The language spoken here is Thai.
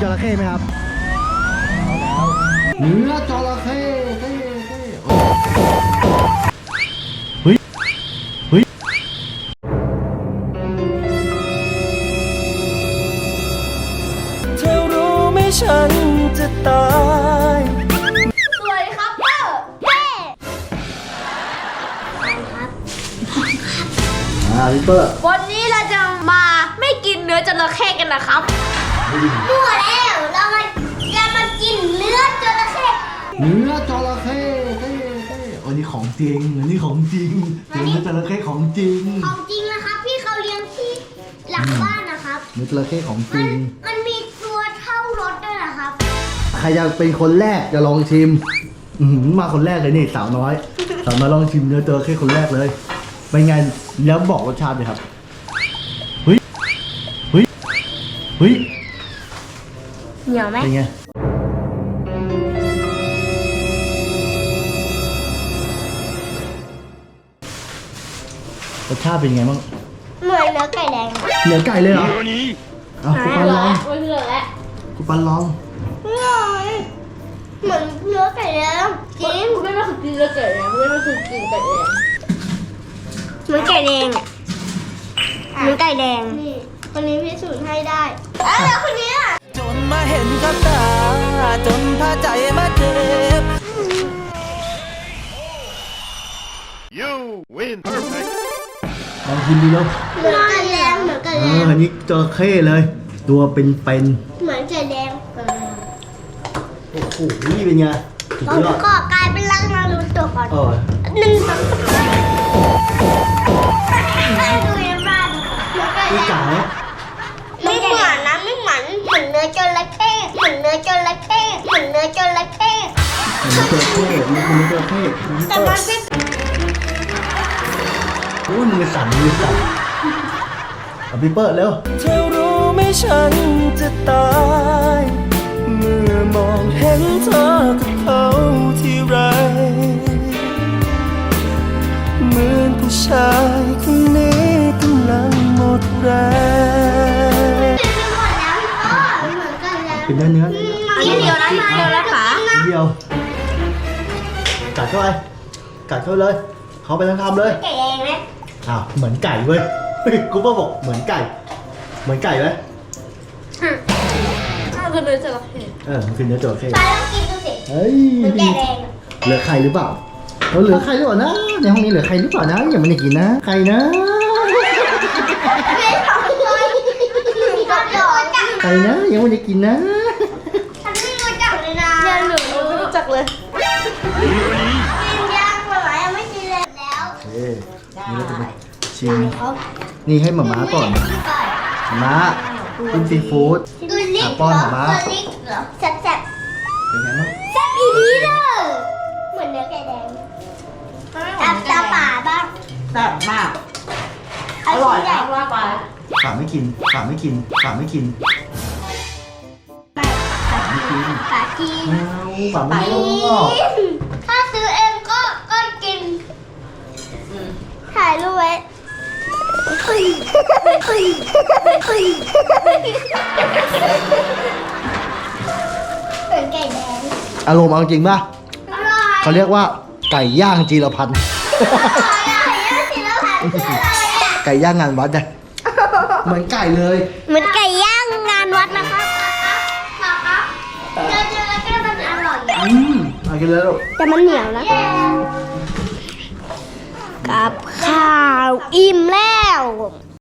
จระเข้ไหมครับเนื้อจระเข้เฮ้ยเธอรู้ไหมฉันจะตายสวัสดีครับเตอร์เฮ้ครับพี่เปอร์วันนี้เราจะมาไม่กินเนื้อจระเข้กันนะครับมั่วแล้วเราจะมากินเนื้อจระเข้เนื้อจระเข้อันนี้ของจริงอันนี้ของจริงเนื้อจระเข้ของจริงของจริงนะครับพี่เขาเลี้ยงที่หลังบ้านนะครับเนื้อจระเข้ของจริงมันมีตัวเท่ารถด้วยนะครับใครจะเป็นคนแรกจะลองชิมมาคนแรกเลยนี่สาวน้อยลองชิมเนื้อจระเข้คนแรกเลยเป็นไงแล้วบอกรสชาติเลยครับเฮ้ยเหนียวไหมเป็นไงรสชาติเป็นไงบ้างเหมือนเนื้อไก่แดงเหนือไก่เลยเหรอเอาคุณปันลองมันเหลือแล้วคุณปันลองเหมือนเนื้อไก่แดงจริงไม่ได้คือกินเนื้อไก่แดงไม่ได้คือกินไก่แดงเหมือนไก่แดงเหมือนไก่แดงนี่คนนี้พิสูจน์ให้ได้แล้วคนนี้อ่ะจนมาเห็นกับตาจนพาใจมาเจ็บ You win. ลองชิมดูแล้วเหมือนไก่แดงเหมือนไก่แดงอันนี้จระเข้เลย ตัวเป็นเหมือนไก่แดงโอ้โหนี่เป็นไงสุดเรายอดก็กลายเป็นรังนารูโตะก่อนเออหนึ่งสองสามดูในบ้านเหมือนไก่นี่แดไก่งไหมไม่เหมือนนะไม่เหมือนเหมือนเนื้อจระเข้เหมือนเนื้อจระเข้เหมือนเนื้อจระเข้มันจระเข้มันเป็นจระเข้แต่มันเป็นโอ้ยมือสั่นเอาพี่เปิดเร็วเธอรู้ไหมฉันจะตาย เมื่อมองเห็นเธอกับเขาที่ไรเหมือนผู้ชายคนนี้กำลังหมดแรงเป็นหมดแล้วพ่อเหมือนกันแล้วกินเนื้อนิดเดียวนะนิดเดียวนะขาเดียวกัดเข้าไปเลยเขาไปทั้งคำเลยไก่แดงไหมอ้าวเหมือนไก่เว้ยเฮ้ยกูบอกเหมือนไก่ไหมคือเนื้อจระเข้มันคือเนื้อจระเข้ไปลองกินดูสิเฮ้ยเหมือนไก่แดงเหลือใครหรือเปล่าเหลือใครหรือเปล่านะในห้องนี้เหลือใครหรือเปล่านะอย่ามาได้กินนะใครนะไม่ของเลยก็โดนจับใครนะยังไม่ได้กินนะฉันไม่รู้จักเลยนะยังหนูไม่รู้จักเลยกินยังหมายังไม่กินเลยแล้วเอ๊นี่เราจะมาชิมนี่ให้หม่าม้าก่อนหม่าม้าคุณซีฟู้ดดูลิกป้อนหม่าม้าดูลิกเหรอแซ่บเป็นไงบ้างแซ่บอีนี้เด้อเหมือนเนื้อไก่แดงตาป่าบ้างแซ่บมากอร่อยนะว่าไปฝากไม่กินป่าจีนฝากไม่กินถ้าซื้อเองก็กินถ่ายรูปไว้เฮ้ยเหมือนไก่แดงอารมณ์เอาจริงป่ะอร่อยเขาเรียกว่าไก่ย่างจีรพันธ์ ไก่ย่างงานวัดไงเหมือนไก่เลยเหมือนไก่ย่างงานวัดนะคะเจอแล้วก็มันอร่อยเอากินเลยลูกแต่มันเหนียวนะ กับข้าวอิ่มแล้ว